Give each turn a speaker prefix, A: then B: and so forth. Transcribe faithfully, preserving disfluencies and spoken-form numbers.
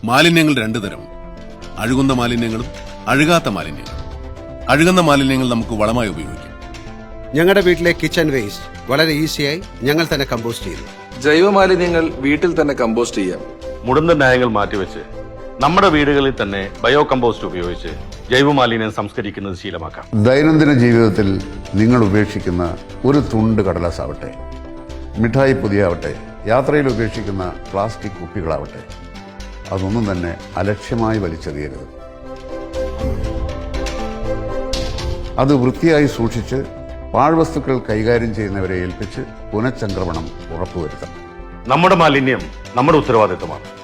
A: മാലിന്യങ്ങൾ രണ്ടു തരം, അഴുകുന്ന മാലിന്യങ്ങളും അഴുകാത്ത മാലിന്യങ്ങളും. അഴുകുന്ന മാലിന്യങ്ങൾ നമുക്ക് വളമായി ഉപയോഗിക്കാം.
B: ഞങ്ങളുടെ വീട്ടിലെ കിച്ചൺ വേസ്റ്റ് വളരെ ഈസിയായി ഞങ്ങൾ തന്നെ കമ്പോസ്റ്റ് ചെയ്യുന്നു.
C: ജൈവ മാലിന്യങ്ങൾ വീട്ടിൽ തന്നെ കമ്പോസ്റ്റ് ചെയ്യാം.
D: മുടന്ത ന്യായങ്ങൾ മാറ്റിവെച്ച് നമ്മുടെ വീടുകളിൽ തന്നെ ബയോ കമ്പോസ്റ്റ് ഉപയോഗിച്ച് ജൈവമാലിന്യം സംസ്കരിക്കുന്നത് ശീലമാക്കാം.
E: ദൈനംദിന ജീവിതത്തിൽ നിങ്ങൾ ഉപേക്ഷിക്കുന്ന ഒരു തുണ്ട് കടലാസാവട്ടെ, മിഠായി പൊതിയാവട്ടെ, യാത്രയിൽ ഉപേക്ഷിക്കുന്ന പ്ലാസ്റ്റിക് കുപ്പികളാവട്ടെ, അതൊന്നും തന്നെ അലക്ഷ്യമായി വലിച്ചെറിയരുത്. അത് വൃത്തിയായി സൂക്ഷിച്ച് പാഴ്വസ്തുക്കൾ കൈകാര്യം ചെയ്യുന്നവരെ ഏൽപ്പിച്ച് പുനഃചംക്രമണം ഉറപ്പുവരുത്തണം.
D: നമ്മുടെ മാലിന്യം നമ്മുടെ ഉത്തരവാദിത്തമാണ്.